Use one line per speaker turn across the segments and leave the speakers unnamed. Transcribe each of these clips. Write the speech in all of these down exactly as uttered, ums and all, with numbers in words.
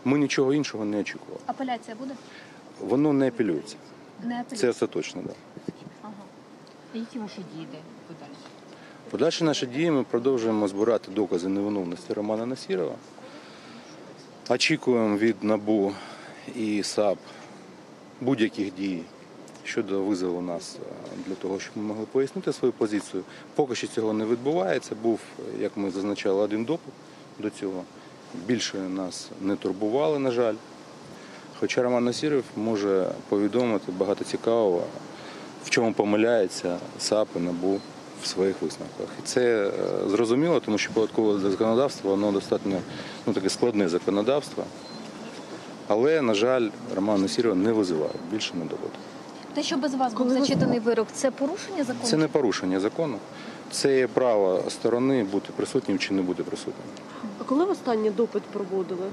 Ми нічого іншого не очікували.
Апеляція буде?
Воно не апелюється.
Не апеляція?
Це остаточно, так. Да.
Ага.
А які ваші дії подальші?
Подальші наші дії ми продовжуємо збирати докази невиновності Романа Насірова. Очікуємо від НАБУ і САП будь-яких дій щодо визову нас для того, щоб ми могли пояснити свою позицію. Поки що цього не відбувається. Був, як ми зазначали, один допит до цього. Більше нас не турбували, на жаль. Хоча Роман Насіров може повідомити багато цікавого, в чому помиляється САП і НАБУ в своїх висновках. І це зрозуміло, тому що податкове законодавство, воно достатньо ну, таке складне законодавство. Але, на жаль, Роман Насіров не визиває більше на доводу.
Те, що без вас був зачитаний вирок, це порушення закону? Це
не порушення закону. Це є право сторони бути присутнім чи не бути присутнім.
А коли в останній допит проводили?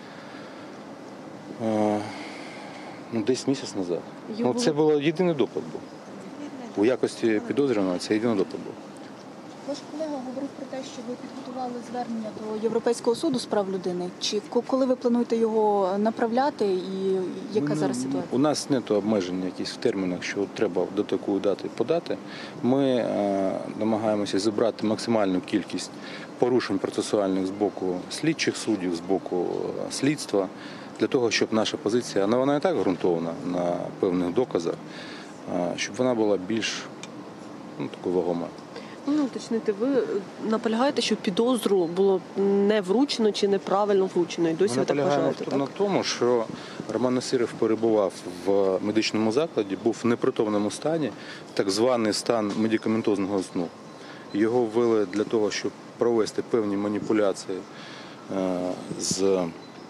А, ну, десь місяць назад.
Його...
Ну, це був єдиний допит був. У якості підозрюваного це єдиний допит був.
Ваш колега говорив про те, що ви підготували звернення до Європейського суду з прав людини. Чи коли ви плануєте його направляти і яка
Ми,
зараз ситуація?
У нас немає обмежень якісь в термінах, що треба до такої дати подати. Ми е, намагаємося зібрати максимальну кількість порушень процесуальних з боку слідчих суддів, з боку слідства, для того, щоб наша позиція, а вона і так ґрунтована на певних доказах, е, щоб вона була більш ну, такою вагомою.
Ну, уточнити, ви наполягаєте, що підозру було не вручено чи неправильно вручено? І досі
Ми
ви так вважаєте, так?
на тому, що Роман Насіров перебував в медичному закладі, був в непритомному стані, так званий стан медикаментозного сну. Його ввели для того, щоб провести певні маніпуляції з,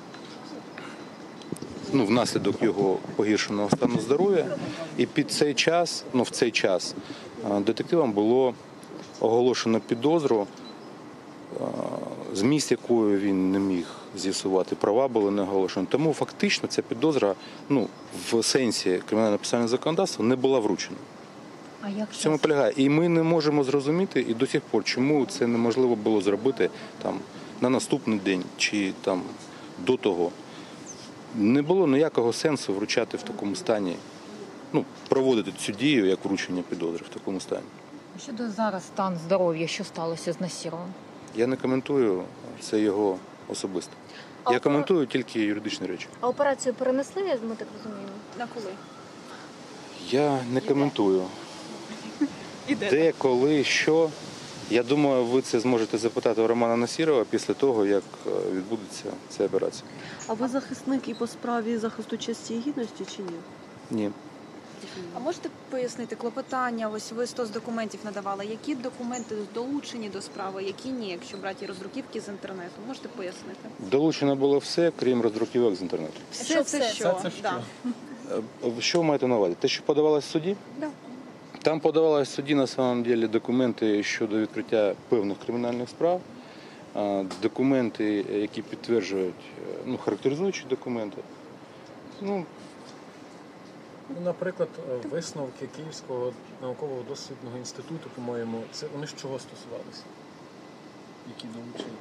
ну, внаслідок його погіршеного стану здоров'я. І під цей час, ну, в цей час детективам було оголошено підозру, зміст якої він не міг з'ясувати, права були не оголошені. Тому фактично ця підозра ну, в сенсі кримінально-процесуального законодавства не була вручена.
А як
в цьому полягає. І ми не можемо зрозуміти і до сих пор, чому це неможливо було зробити там, на наступний день чи там, до того. Не було ніякого сенсу вручати в такому стані, ну, проводити цю дію, як вручення підозри в такому стані.
Щодо зараз стан здоров'я, що сталося з Насіровим?
Я не коментую, це його особисто.
А
Я
опера-
коментую тільки юридичні речі.
А операцію перенесли, ми так розуміємо? На коли?
Я не коментую. Де, коли, що. Я думаю, ви це зможете запитати у Романа Насірова після того, як відбудеться ця операція.
А ви захисник і по справі захисту честі і гідності чи ні?
Ні.
А можете пояснити клопотання, ось ви сто з документів надавали, які документи долучені до справи, які ні, якщо брати роздруківки з інтернету? Можете пояснити?
Долучено було все, крім роздруківок з інтернету.
Все,
Що
це
все?
що?
Це, це що?
Да.
Що ви маєте на увазі? Те, що подавалось в суді?
Да.
Там подавалось в суді, на самом деле, документи щодо відкриття певних кримінальних справ, документи, які підтверджують, ну, характеризуючі документи. Ну,
Ну, наприклад, висновки Київського наукового дослідного інституту, по-моєму, це вони з чого стосувалися? Які долучили?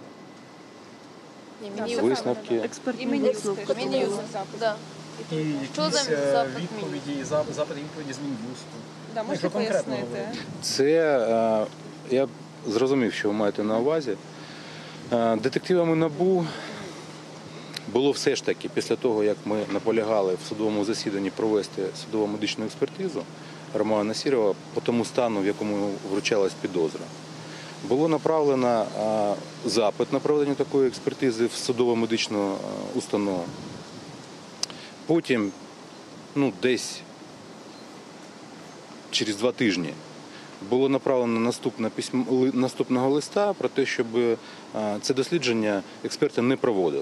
висновки.
Експертний висновок.
Да.
І якісь е, відповіді, зап- запити відповіді з Мін'юсту.
Да,
Ну,
можете
якщо конкретно
пояснити?
говорити.
Це, е, я зрозумів, що ви маєте на увазі. Е, Детективами НАБУ було все ж таки, після того, як ми наполягали в судовому засіданні провести судово-медичну експертизу Романа Насірова по тому стану, в якому вручалась підозра, було направлено е, запит на проведення такої експертизи в судово-медичну е, установу. Потім, ну, десь через два тижні було направлено наступне письмо, наступного листа про те, щоб це дослідження експерти не проводили.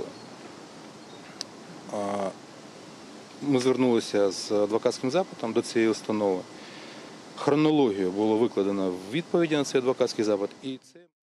Ми звернулися з адвокатським запитом до цієї установи. Хронологію було викладено в відповіді на цей адвокатський запит. І це...